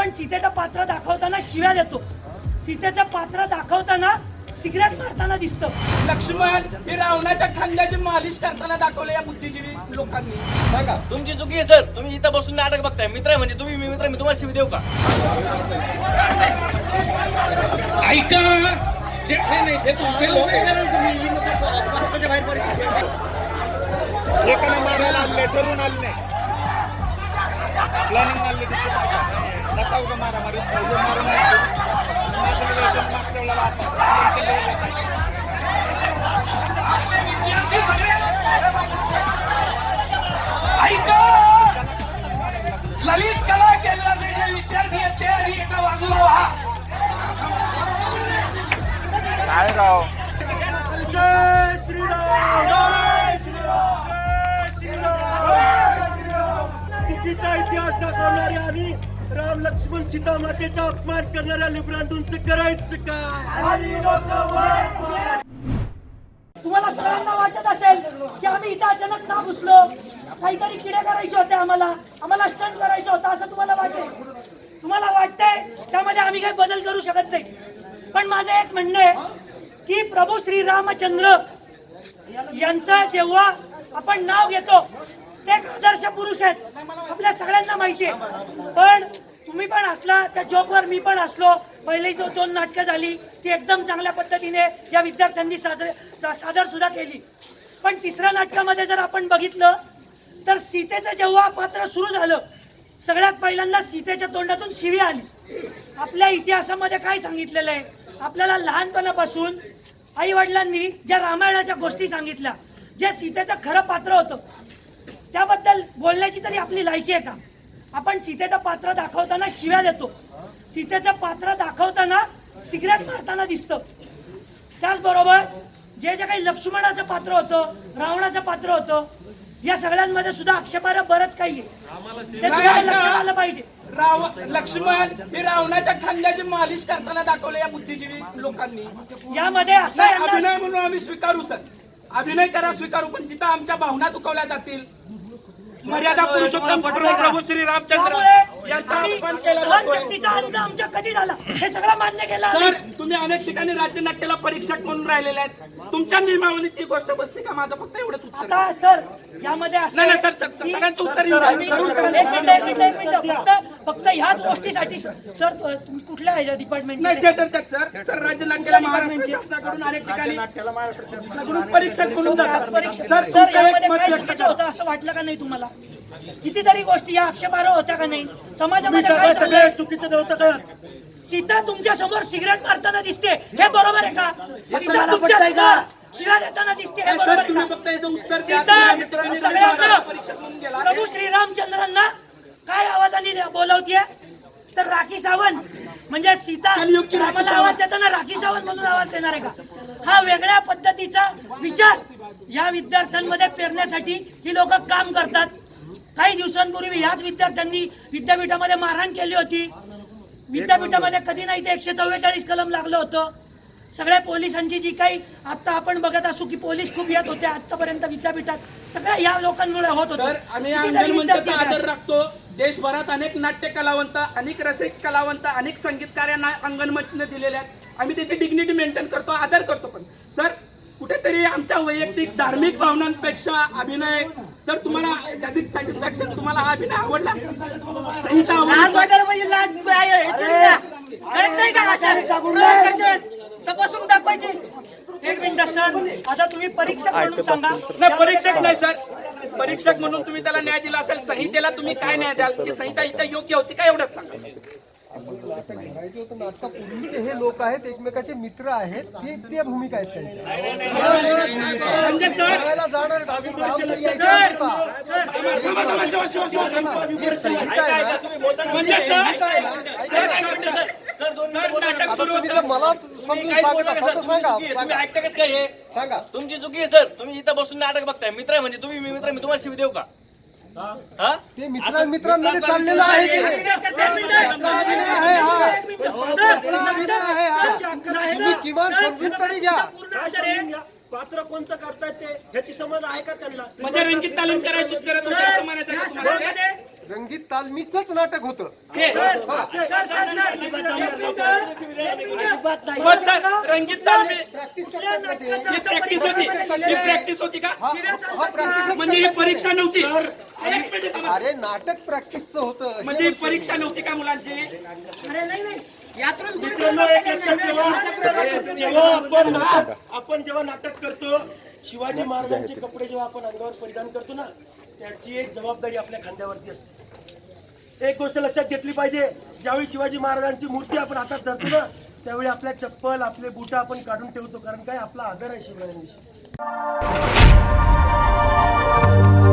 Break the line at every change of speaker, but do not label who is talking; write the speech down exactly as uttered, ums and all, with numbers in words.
आपण सीतेचं पात्र दाखवताना शिव्या देतो, सीतेचं पात्र दाखवताना सिगरेट मारताना दिसतं.
लक्ष्मण हे रावणाच्या खांद्याची मालिश करताना दाखवलं या बुद्धिजीवी लोकांनी.
सांगा
तुमची चुकी आहे सर. तुम्ही इथं बसून नाटक बघताय. मित्र म्हणजे तुम्ही, मी मित्र मी तुम्हाला शिवी देऊ का?
ऐका, जे नाही जे तुमचे लोक तुम्ही भारताच्या बाहेर परिस्थिती एकाला मारायला आले, ठरवून आले नाही, प्लॅनिंग आले नका उगा मारा मारी मारून मागच्या वेळेला
ऐका, ललित कला केंद्राचे जे विद्यार्थी आहेत ते आणि एका वाजूला व्हा.
काय राव.
जय श्रीराम, जय श्रीराम, जय श्रीराम, जय श्रीराम. चुकीचा इतिहास दाखवणारे आणि राम लक्ष्मण सीता मातेचा अपमान करणाऱ्या लिब्रांडूंचं करायचं काय?
तुम्हाला सगळ्यांना वाटत असेल की आम्ही इथं अचानक का घुसलो, काहीतरी किडे करायचे होते, आम्हाला आम्हाला स्टंट करायचं होतं असं तुम्हाला वाटेल. तुम्हाला वाटतंय त्यामध्ये आम्ही काही बदल करू शकत नाही. पण माझं एक म्हणणं आहे की प्रभू श्री रामचंद्र यांचं जेव्हा आपण नाव घेतो ते एक आदर्श पुरुष आहेत, आपल्या सगळ्यांना माहिती आहे. पण तुम्ही पण असला त्या जोकवर मी पण असलो. पहिली जो दोन नाटकं झाली ती एकदम चांगल्या पद्धतीने या विद्यार्थ्यांनी साजरे सादर सुद्धा केली. पण तिसऱ्या नाटकामध्ये जर आपण बघितलं तर सीतेचं जेव्हा पात्र सुरू झालं, सगळ्यात पहिल्यांदा सीतेच्या तोंडातून शिवी आली. आपल्या इतिहासामध्ये काय सांगितलेलं आहे, आपल्याला लहानपणापासून आई वडिलांनी ज्या रामायणाच्या गोष्टी सांगितल्या, जे सीतेचं खरं पात्र होतं त्याबद्दल बोलण्याची तरी आपली लायकी आहे का? आपण सीतेचं पात्र दाखवताना शिव्या देतो, सीतेचं पात्र दाखवताना सिगरेट मारताना दिसतं. त्याचबरोबर जे जे काही लक्ष्मणाचं पात्र होतं, रावणाचं पात्र होतं, या सगळ्यांमध्ये सुद्धा आक्षेपार्ह बरंच काही आहे. ते तुम्हाला लक्षात आलं पाहिजे.
राव लक्ष्मण हे रावणाच्या खांद्याची मालिश करताना दाखवलं या बुद्धिजीवी लोकांनी.
यामध्ये असं आहे ना,
अभिनय म्हणून आम्ही स्वीकारू सर, अभिनय करा स्वीकारू, पण जिथं आमच्या भावना दुखावल्या जातील, मर्यादा पुरुषोत्तम प्रभू श्री रामचंद्र यांचा अपमान केला जातोय.
सहनशक्तीचा अंत आमच्या कधी झाला हे सगळं मान्य केलं.
सर तुम्ही अनेक ठिकाणी राज्य नाट्याला परीक्षक म्हणून राहिलेले आहेत, तुमच्या नियमावलीत ती गोष्ट बसते का? माझं फक्त एवढंच उत्तर.
आता सर यामध्ये असं
नाही,
आहे
नाही, सर, सर,
की-
सगळ्यांचं उत्तर येऊ
सर,
द्या.
एक मिनिट, एक मिनिट, एक मिनिट, फक्त फक्त ह्याच गोष्टीसाठी सर तुम्ही कुठल्या ह्याच्या डिपार्टमेंट
नाही थिएटरच्याच सर सर राज्य नाट्याला महाराष्ट्र शासनाकडून अनेक ठिकाणी शासनाकडून परीक्षक म्हणून जातात.
परीक्षा
सर
सर
तुमचं एक
यामध्ये
मत
काय
व्यक्त
चुकीचं
करा.
होतं असं वाटलं का नाही तुम्हाला? कितीतरी गोष्टी या आक्षेपार्ह होत्या का नाही? समाजामध्ये काय चाललंय?
चुकीचं होतं का?
सीता तुमच्या समोर सिगरेट मारताना दिसते, हे बरोबर आहे का? सीता तुमच्या समोर शिव्या देताना दिसते, हे
सर
बरोबर आहे
तुम्ही
का?
फक्त याचं उत्तर द्या.
सीता
तुम्ही अनेक ठिकाणी
सगळ्यांना
परीक्षक म्हणून गेला.
प्रभू श्रीरामचंद्रांना काय आवाजाने बोलावतीये? तर राखी सावंत म्हणजे सीता
कलियुग की राखी
रामाला
सावंत.
आवाज देताना राखी सावंत म्हणून आवाज देणार आहे का? हा वेगळ्या पद्धतीचा विचार या विद्यार्थ्यांमध्ये पेरण्यासाठी ही लोक काम करतात. काही दिवसांपूर्वी याच विद्यार्थ्यांनी विद्यापीठामध्ये मारहाण केली होती. विद्यापीठामध्ये कधी नाही ते एकशे चव्वेचाळीस कलम लागलं होतं. सगळ्या पोलिसांची जी काही आता आपण बघत असू की पोलीस खूप येत होते आतापर्यंत विद्यापीठात, सगळ्या या लोकांमुळे होत होतं.
सर आम्ही
कितीतरी
अंगण मंचाचा
विद्यार्थी
आदर
आहेत.
राखतो. देशभरात अनेक नाट्य कलावंत, अनेक रसिक कलावंत, अनेक संगीतकारांना अंगण मंचने दिलेले आहेत. आम्ही त्याची डिग्निटी मेंटेन करतो, आदर करतो. पण सर कुठेतरी आमच्या वैयक्तिक धार्मिक भावनांपेक्षा अभिनय, सर तुम्हाला त्याची सॅटिस्फॅक्शन, तुम्हाला हा अभिनय आवडला, संहिता
तपासून दाखवायचे. एक मिनिट सर, आता तुम्ही परीक्षक म्हणून सांगा.
नाही परीक्षक नाही सर, परीक्षक म्हणून तुम्ही त्याला न्याय दिला असेल, संहितेला तुम्ही काय न्याय द्याल? की संहिता इथं योग्य होती का एवढंच सांगा.
घडायचं होतं नाटकापूर्वीचे हे लोक आहेत, एकमेकाचे मित्र आहेत, ते त्या भूमिका आहेत त्यांच्या.
म्हणजे सर
करायला जाणार दहावी बारावी यायचं
सर
होतं.
सर
थांबा, थांबा, शिवा, शिवा, शिवा, थांबा.
हे संहिता आहे ना,
तुम्ही बोलताना
म्हणजे सर
संहिता आहे ना,
सर एक मिनिट सर. सर दोन मिनिट बोला
नाटक
नका.
सुरू
तुम्ही
होतं.
जर मला
तुम्ही
समजून
काहीच
सांगत
बोलू नका
असाल
सर.
तर
तुमची
सांगा
चुकी आहे. तुम्ही
सांगा
ऐकता कसं काय हे?
सांगा.
तुमची चुकी आहे सर. तुम्ही इथं बसून नाटक बघताय. मित्र आहे म्हणजे तुम्ही, मी मित्र मी तुम्हाला शिवी देऊ का? हा?
ते मित्र मित्रांमध्ये चाललेलं आहे ते. मित्राचा अभिनय आहे हा. मित्राचा अभिनय आहे हा. तुम्ही किमान समजून तरी घ्या.
पात्र कोणतं करतायत ते ह्याची समज आहे का त्यांना?
म्हणजे रंगीत तालीम करायची गरज होती असं म्हणायचं
या
का तुम्हाला?
सगळ्यामध्ये
रंगीत तालमीचंच नाटक होतं.
हे
सर, सर, सर, सर,
मग सर रंगीत तालमी
कुठल्या नाटकाचं
ही
असं
प्रॅक्टिस होती
परिकल्पना
ही
लिहिलेलं आहे?
प्रॅक्टिस होती का
शिव्या चालतात
हा,
का?
practice
म्हणजे ही परीक्षा नव्हती एक मिनिट थांबा.
अरे नाटक प्रॅक्टिसचं होतं.
म्हणजे ही परीक्षा नव्हती का मुलांची
अरे नाही नाही यातूनच
मित्रांनो एक लक्षात ठेवा, जेव्हा आपण नाटक आपण जेव्हा नाटक करतो, शिवाजी महाराजांचे कपडे जेव्हा आपण अंगावर परिधान करतो ना, त्याची एक जबाबदारी आपल्या खांद्यावरती असते. एक गोष्ट लक्षात घेतली पाहिजे, ज्यावेळी शिवाजी महाराजांची मूर्ती आपण हातात धरतो ना, त्यावेळी आपल्या चप्पल आपले बुट आपण काढून ठेवतो, कारण काय आपला आदर आहे शिवरायांविषयी.